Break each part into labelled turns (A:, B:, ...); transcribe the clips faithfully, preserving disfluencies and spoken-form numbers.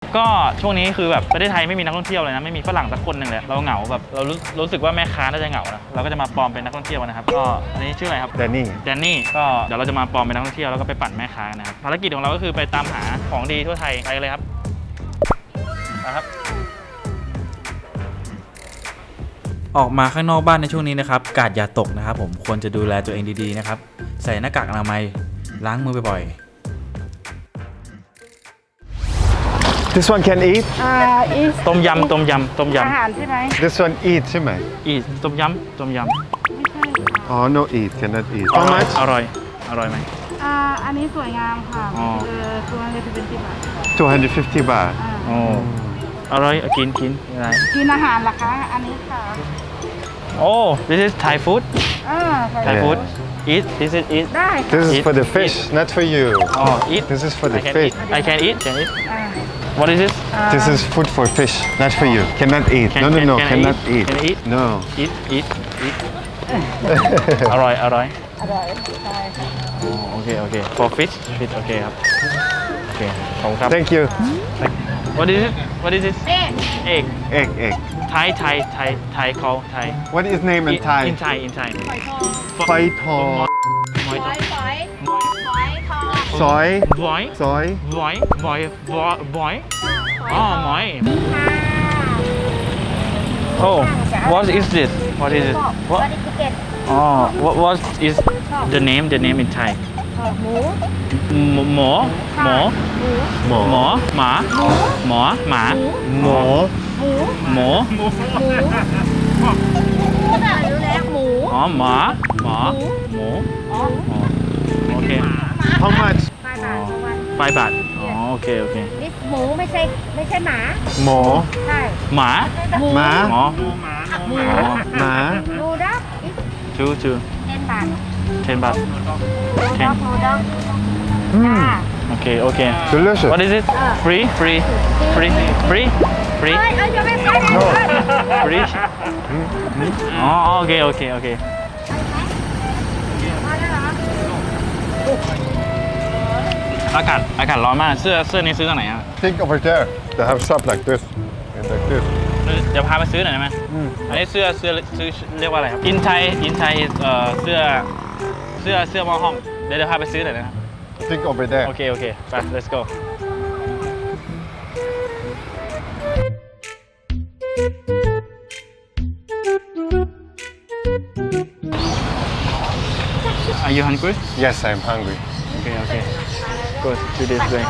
A: ก็ช่วงนี้คือแบบประเทศไทยไม่มีนักท่องเที่ยวเลยนะไม่มีฝรั่งสักคนหนึ่งเลยเราเหงาแบบเรารู้รู้สึกว่าแม่ค้าน่าจะเหงานะเราก็จะมาปลอมเป็นนักท่องเที่ยวนะครับก็อันนี้ชื่ออะไรครับ
B: แดนนี่
A: แดนนี่ก็เดี๋ยวเราจะมาปลอมเป็นนักท่องเที่ยวแล้วก็ไปปั่นแม่ค้านะครับภารกิจของเราก็คือไปตามหาของดีทั่วไทยไปเลยครับนะครับออกมาข้างนอกบ้านในช่วงนี้นะครับกาดอย่าตกนะครับผมควรจะดูแลตัวเองดีๆนะครับใส่หน้ากากอนามัยล้างมือบ่อย
B: This one can eat
C: อ่าอีส
A: ๆต้มยำต้มยำต้มย
C: อาหารใช่ไหม
B: This one eat ใช่ไหม
A: ำอีต้มยำต้มย
C: ไม่ใช่ค่ะ
B: อ๋อ no eat cannot eat
A: ำ
B: How much
A: อร่อยอร่อยไหม
C: อ่าอันนี้สวยงามค่ะ
A: อ๋อ
C: เออตัวนี้จะเป็นสิบบาท
B: two hundred fifty บาท
C: อ่า
A: โอ้อร่อยกินกินอะไร
C: กินอาหารเหรอคะอันนี้ค่ะ
A: โอ้ this is Thai food
C: อ่าใส่
A: Thai
B: Yeah.
A: food eat this is eat
C: ได้
B: This
C: ค่ะ
B: is
A: Eat.
B: for the fish not for you
A: อ๋อ eat
B: This is for the
A: I can
B: fish
A: eat I can eat can eat
C: อ่า
A: what is this
B: This is food for fish not for you cannot eat
A: Can-
B: no no
A: can-
B: no
A: can I
B: cannot
A: eat?
B: eat
A: Can I eat?
B: no
A: eat eat eat อร่อยอร่อย
C: อร่อยใช่ค่ะ
A: อ๋อโอเคโอเค for fish fish โอเคครับโอเคขอบคุณครับ
B: Thank you
A: what is it what is this
C: เอ๊ะ
A: egg
B: egg egg
A: Thai Thai Thai Thai call Thai
B: What is name in
A: in
B: Thai
A: in Thai in Thai
C: ฝอยทอง
B: ไฟทอง
A: หอย
C: ฝอยฝอยฝอยทอง
B: ซอย
A: หอย
B: ซอย
A: หอยหอยหอยหอยอ๋อหอย Oh what is this what is it
C: บ
A: what
C: อดี้ทิเก็ต
A: oh what what is the name the name in Thai
C: หมู
A: หมอหมอ
C: หมู
B: หมอ
A: หมอหมาหมอหมา
B: หมอ
C: หมู
A: หมู
C: หมูรู้แล้วหมู
A: อ๋อหมาหมาหมู
C: อ๋อ
A: อ๋อโอเค
B: How much
C: ปลาหนาของมัน
A: ไฟบาทอ๋อโอเคโอเค
C: นี่หมูไม่ใช่ไม่ใช่หมา
B: หมอ
C: ใช่
A: หมา
C: หมู
B: หมา
A: หมอ
C: หมู
B: หมา
C: ดูดักอีก
A: ชูชู
C: เจ็ดบาท
A: ten บาท
C: ดูดักดูดัก
B: อืม
C: จ้า
A: โอเคโอเค
B: delicious
A: What is it free free free free free
C: เอ้ยเอ้ยจะไม่ไปไหน
B: No
C: เลย
A: free อ๋อโอเคโอเคโอเค
C: มาแล้วเหรอ
A: อากาศอากาศร้อนมากเสื้อเสื้อนี้ซื้อจากไหนอ่ะ
B: Think over there they have shop like this and like this
A: เดี๋ยวพาไปซื้อหน่อยได้ไหม
B: อืม
A: อันนี้เสื้อเสื้อซื้อเรียกว่าอะไรครับอินไทยอินไทยเอ่อเสื้อเสื้อเสื้อหม้อห้อมเดี๋ยวเดี๋ยวพาไปซื้อหน่อยนะครับ
B: Think over there
A: โอเคโอเคไป let's go Are you hungry?
B: Yes I'm hungry
A: Okay okay go to this way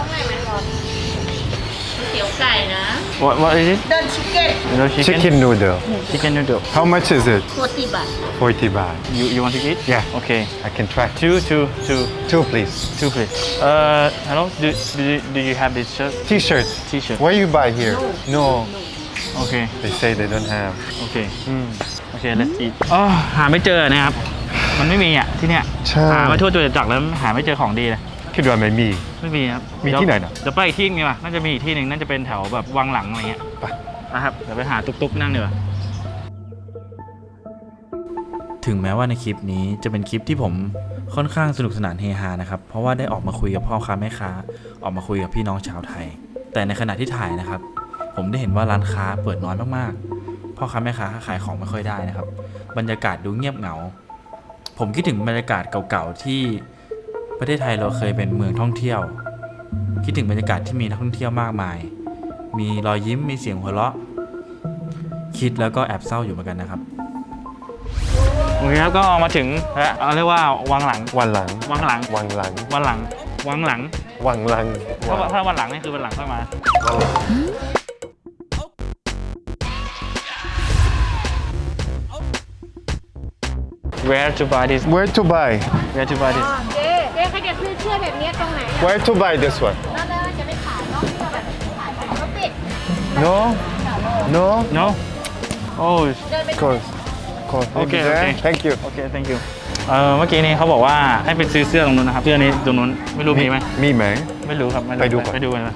C: เตี๋ยวไก่นะ
A: What what is it?
C: เดินชิคเก้น
A: You know chicken?
B: Chicken noodle
A: Chicken noodle.
B: How much is it
C: โคติบะ
B: forty บาท
A: You you want to eat?
B: Yeah
A: Okay.
B: I can try
A: Two two two
B: two please
A: two please. Uh hello. Do do you, do you have this shirt?
B: T-shirt
A: T-shirt.
B: Where you buy here No
A: Okay.
B: They say they don't have
A: Okay.
B: อืม
A: Okay. Let's eat. อ๋อหาไม่เจอนะครับ มันไม่มีอ่ะที่เนี้ย
B: ใช่
A: หามาทั่วตัวจักรแล้วหาไม่เจอของดีเลย
B: คิดว่าไม่มี
A: ไม่มีครับ
B: มีที่ไหนน่ะ
A: เดี๋ยวไปอีกที่นึงดีกว่าน่าจะมีอีกที่หนึ่งน่าจะเป็นแถวแบบวังหลังอะไรเงี้ย
B: ไป
A: นะครับเดี๋ยวไปหาตุ๊กๆนั่งดีกว่าถึงแม้ว่าในคลิปนี้จะเป็นคลิปที่ผมค่อนข้างสนุกสนานเฮฮานะครับเพราะว่าได้ออกมาคุยกับพ่อค้าแม่ค้าออกมาคุยกับพี่น้องชาวไทย แต่ในขณะที่ถ่ายนะครับผมได้เห็นว่าร้านค้าเปิดน้อยมากๆพ่อค้าแม่ค้าขายของไม่ค่อยได้นะครับบรรยากาศดูเงียบเหงาผมคิดถึงบรรยากาศเก่าๆที่ประเทศไทยเราเคยเป็นเมืองท่องเที่ยวคิดถึงบรรยากาศที่มีนักท่องเที่ยวมากมายมีรอยยิ้มมีเสียงหัวเราะคิดแล้วก็แอบเศร้าอยู่เหมือนกันนะครับโอเคครับก็มาถึงแล้วเอาเรียกว่าวังหลัง
B: วันหลัง
A: วังหลัง
B: วันหลัง
A: วันหลังวังหลัง
B: วันหลัง
A: ถ้าถ้าวันหลังนี่คือวันหลังค่อยมา
B: วันหลัง
A: Where to buy this
B: Where to buy
A: Where to buy this
C: เจ๊เจ๊เขาจะซื้อเสื้อแบบนี้ตรงไหน
B: Where to buy this one
C: นั่นเลยจะไม่ขายเนาะเสื้อแบบนี้ขายเขาปิด
B: No No
A: No Oh
C: เดินไป
B: Cause Cause maybe
A: Okay,
B: there.
A: okay.
B: Thank you
A: Okay thank you เออเมื่อกี้นี้เขาบอกว่าให้ไปซื้อเสื้อตรงนู้นนะครับเสื้อนี้ตรงนู้นไม่รู้มีไหม
B: มีไหม
A: ไม่รู้ครับม่รู้
B: ไปดูก่อน
A: ไปดูกันนะ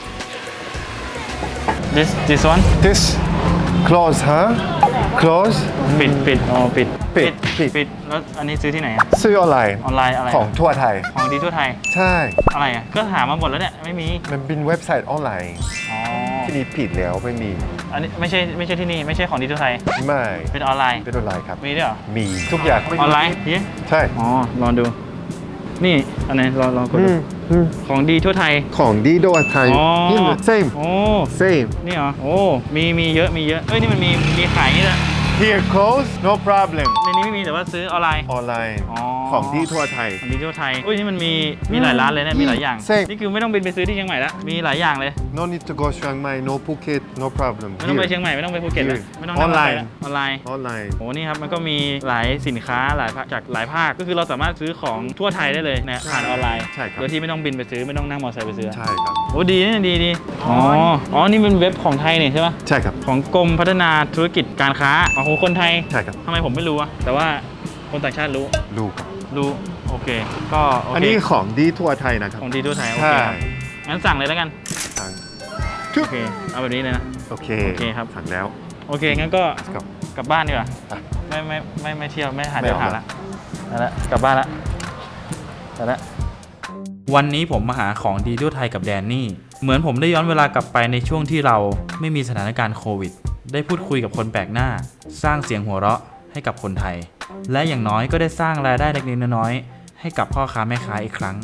A: This this one
B: This close huh Close
A: ปิดปิดอ๋อปิด
B: ปิดปิด
A: ปิดแล้วอันนี้ซื้อที่ไหนอะ
B: ซื้อออนไลน์
A: ออนไลน์อะไร
B: ของทั่วไทย
A: ของดีทั่วไทย
B: ใช่
A: อะไรอ่ะก็หามาหมดแล้วเนี่ยไม่มี
B: มันเป็นเว็บไซต์ออนไลน์
A: อ๋อ
B: ที่นี่ผิดแล้วไม่มี
A: อันนี้ไม่ใช่ไม่ใช่ที่นี่ไม่ใช่ของดีทั่วไทย
B: ไม่
A: เป็นออนไลน์
B: เป็นอะไรครับ
A: มีด้วยเหรอ
B: มีทุกอย่าง
A: ออนไลน์เย้
B: ใช่
A: อ๋อลองดู นี่อันไหนลองลองกด
B: อื
A: ดู
B: มอืม
A: ของดีทั่วไทย
B: ของดีโดยไทย
A: อ๋อ
B: นี่ same
A: โอ้
B: same
A: นี่เหรอโอ้มีมีเยอะมีเยอะเอ้ยนี่มันมีมีขายอย่างนี่แหละ
B: here close no problem
A: ในนี้ไม่มีแต่ว่าซื้อออนไลน์
B: ออนไลน์
A: อ๋อ
B: ของดีทั่วไทย
A: ของดีทั่วไทยอุ้ยนี่มันมีมีหลายร้านเลยนะมีหลายอย่าง
B: เซ็ง
A: นี่คือไม่ต้องบินไปซื้อที่เชียงใหม่ละมีหลายอย่างเลย
B: no need to go เชียงใหม่ no Phuket no problem
A: ไม่ต้องไป
B: Here
A: เชียงใหม่ไม่ต้องไปภูเก็ตแล้ว
B: Here
A: ไม่ต้องนั่งรถไฟแล้วออนไลน์
B: ออนไลน์
A: โอ้นี่ครับมันก็มีหลายสินค้าหลายภาคจากหลายภาคก็คือเราสามารถซื้อของทั่วไทยได้เลยนะผ่านออนไลน์
B: ใช่ครับ
A: โดยที่ไม่ต้องบินไปซื้อไม่ต้องนั่งมอเตอร์ไซค์ไปซื้อ
B: ใช่ครับ
A: โอ้ดีนะดีดีอ๋ออ๋อนี่เป็นเว็บของไทยนี่ใช่ปะ
B: ใช่ครับ
A: ของกรมพัฒนาธุรกิจการค้าอ๋อของคนไทย
B: ใช่ครับ
A: ทำไมผมไม่รู้อะแต่ว่าคนต่างชาติรู้
B: ลูกครับ
A: รู้โอเคก็โอ
B: อัน
A: เค
B: นี้ของดีทั่วไทยนะครับ
A: ของดีทั่วไทยโอ
B: ใช่
A: เคครับงั้นสั่งเลยแล้วกัน
B: สั่ง
A: โอเคเอาแบบนี้เลยนะ
B: โอเค
A: โอเคครับ
B: สั่งแล้ว
A: โอเคงั้นก็
B: Let's go
A: กลับบ้านดีกว่า
B: อ่ะ
A: ไม่ไม่ไม่ไม่เที่ยวไม่หา
B: ไม่
A: เที่ยว
B: เอา
A: หา
B: ละ
A: ละเอาละกลับบ้านละเอาละวันนี้ผมมาหาของดีทั่วไทยกับแดนนี่ เหมือนผมได้ย้อนเวลากลับไปในช่วงที่เราไม่มีสถานการณ์โควิด ได้พูดคุยกับคนแปลกหน้า สร้างเสียงหัวเราะให้กับคนไทย และอย่างน้อยก็ได้สร้างรายได้เล็กๆน้อยๆให้กับพ่อค้าแม่ค้าอีกครั้ง